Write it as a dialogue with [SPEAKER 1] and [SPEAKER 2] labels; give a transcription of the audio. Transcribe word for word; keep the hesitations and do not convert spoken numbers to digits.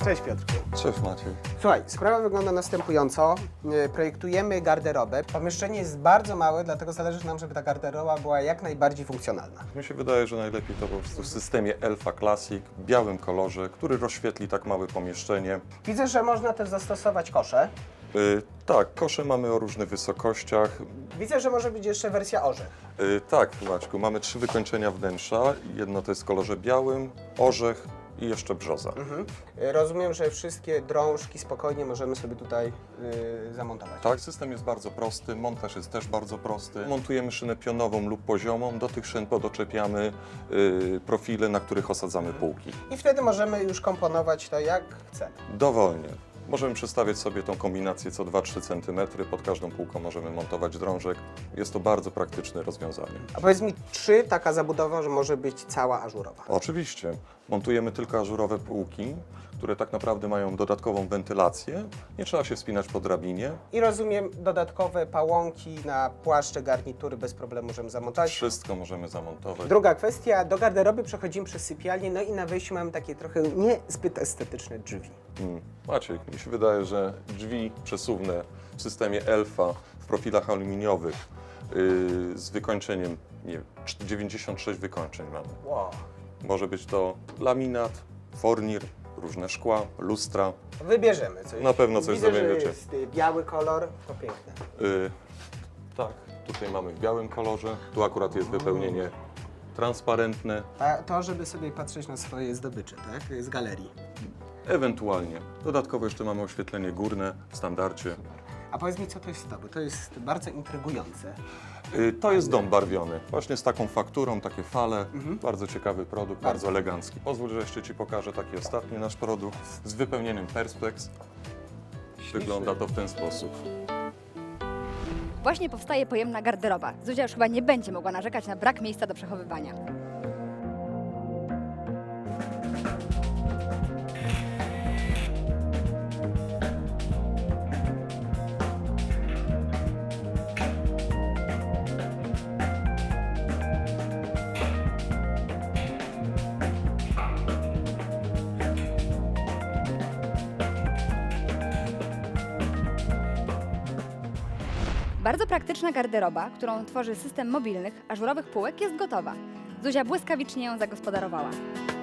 [SPEAKER 1] Cześć Piotrku.
[SPEAKER 2] Cześć Maciej.
[SPEAKER 1] Słuchaj, sprawa wygląda następująco. E, Projektujemy garderobę. Pomieszczenie jest bardzo małe, dlatego zależy nam, żeby ta garderoba była jak najbardziej funkcjonalna.
[SPEAKER 2] Mi się wydaje, że najlepiej to po prostu w systemie Elfa Classic, w białym kolorze, który rozświetli tak małe pomieszczenie.
[SPEAKER 1] Widzę, że można też zastosować kosze.
[SPEAKER 2] Yy, tak, kosze mamy o różnych wysokościach.
[SPEAKER 1] Widzę, że może być jeszcze wersja orzech.
[SPEAKER 2] Yy, tak, Maćku, mamy trzy wykończenia wnętrza. Jedno to jest w kolorze białym, orzech i jeszcze brzoza.
[SPEAKER 1] Mhm. E, Rozumiem, że wszystkie drążki spokojnie możemy sobie tutaj y, zamontować.
[SPEAKER 2] Tak, system jest bardzo prosty, montaż jest też bardzo prosty. Montujemy szynę pionową lub poziomą, do tych szyn podoczepiamy yy, profile, na których osadzamy półki.
[SPEAKER 1] I wtedy możemy już komponować to jak chcemy.
[SPEAKER 2] Dowolnie. Możemy przestawiać sobie tą kombinację co dwa trzy centymetry, pod każdą półką możemy montować drążek. Jest to bardzo praktyczne rozwiązanie.
[SPEAKER 1] A powiedz mi, czy taka zabudowa, że może być cała ażurowa?
[SPEAKER 2] Oczywiście, montujemy tylko ażurowe półki, które tak naprawdę mają dodatkową wentylację. Nie trzeba się wspinać po drabinie.
[SPEAKER 1] I rozumiem, dodatkowe pałąki na płaszcze, garnitury bez problemu możemy zamontować.
[SPEAKER 2] Wszystko możemy zamontować.
[SPEAKER 1] Druga kwestia, do garderoby przechodzimy przez sypialnię, no i na wejściu mamy takie trochę niezbyt estetyczne drzwi.
[SPEAKER 2] Hmm. Maciek, mi się wydaje, że drzwi przesuwne w systemie Elfa w profilach aluminiowych yy, z wykończeniem, nie wiem, dziewięćdziesiąt sześć wykończeń mamy.
[SPEAKER 1] Wow.
[SPEAKER 2] Może być to laminat, fornir, różne szkła, lustra.
[SPEAKER 1] Wybierzemy coś.
[SPEAKER 2] Na pewno coś
[SPEAKER 1] Widzę, że
[SPEAKER 2] znajdziecie.
[SPEAKER 1] jest y, biały kolor, to piękne.
[SPEAKER 2] Yy, tak, tutaj mamy w białym kolorze. Tu akurat jest wypełnienie transparentne.
[SPEAKER 1] A to, żeby sobie patrzeć na swoje zdobycze, tak? Z galerii.
[SPEAKER 2] Ewentualnie. Dodatkowo jeszcze mamy oświetlenie górne w standardzie.
[SPEAKER 1] A powiedz mi, co to jest to, bo to jest bardzo intrygujące.
[SPEAKER 2] Yy, to jest dom barwiony. Właśnie z taką fakturą, takie fale. Bardzo ciekawy produkt, bardzo elegancki. Pozwól, że jeszcze Ci pokażę taki ostatni nasz produkt z wypełnieniem Perspex. Wygląda to w ten sposób.
[SPEAKER 3] Właśnie powstaje pojemna garderoba. Zuzia już chyba nie będzie mogła narzekać na brak miejsca do przechowywania. Bardzo praktyczna garderoba, którą tworzy system mobilnych, ażurowych półek, jest gotowa. Zuzia błyskawicznie ją zagospodarowała.